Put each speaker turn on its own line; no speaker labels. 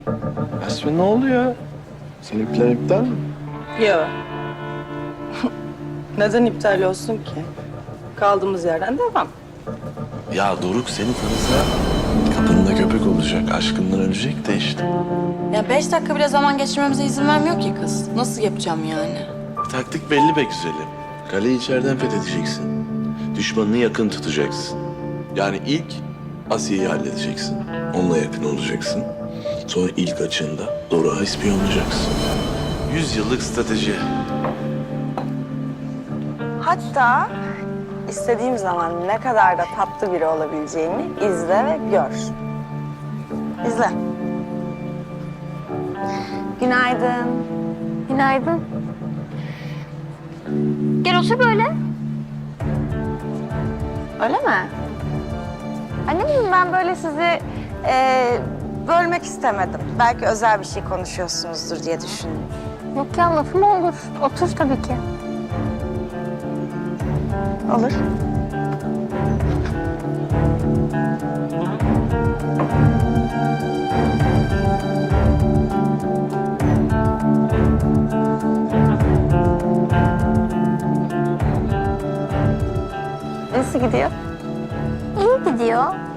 Yasmin ne oluyor? Senin plan iptal mi?
Yok. Neden iptal olsun ki? Kaldığımız yerden devam.
Ya Doruk seni tanısa kapında köpek olacak. Aşkından ölecek de işte.
Ya 5 dakika bile zaman geçirmemize izin vermiyor ki kız. Nasıl yapacağım yani?
Taktik belli be güzelim. Kaleyi içeriden fethedeceksin. Düşmanını yakın tutacaksın. Yani ilk Asiye'yi halledeceksin. Onunla yakın olacaksın. Sonra ilk açığında Doruk'a ispiyonlayacaksın. 100 yıllık strateji.
Hatta istediğim zaman ne kadar da tatlı biri olabileceğimi izle ve gör. İzle. Günaydın.
Günaydın. Gel otur böyle.
Öyle mi? Annem ben böyle sizi bölmek istemedim. Belki özel bir şey konuşuyorsunuzdur diye düşündüm.
Yok ya lafı mı olur? Otur tabii ki.
Olur. Nasıl gidiyor?
İyi gidiyor.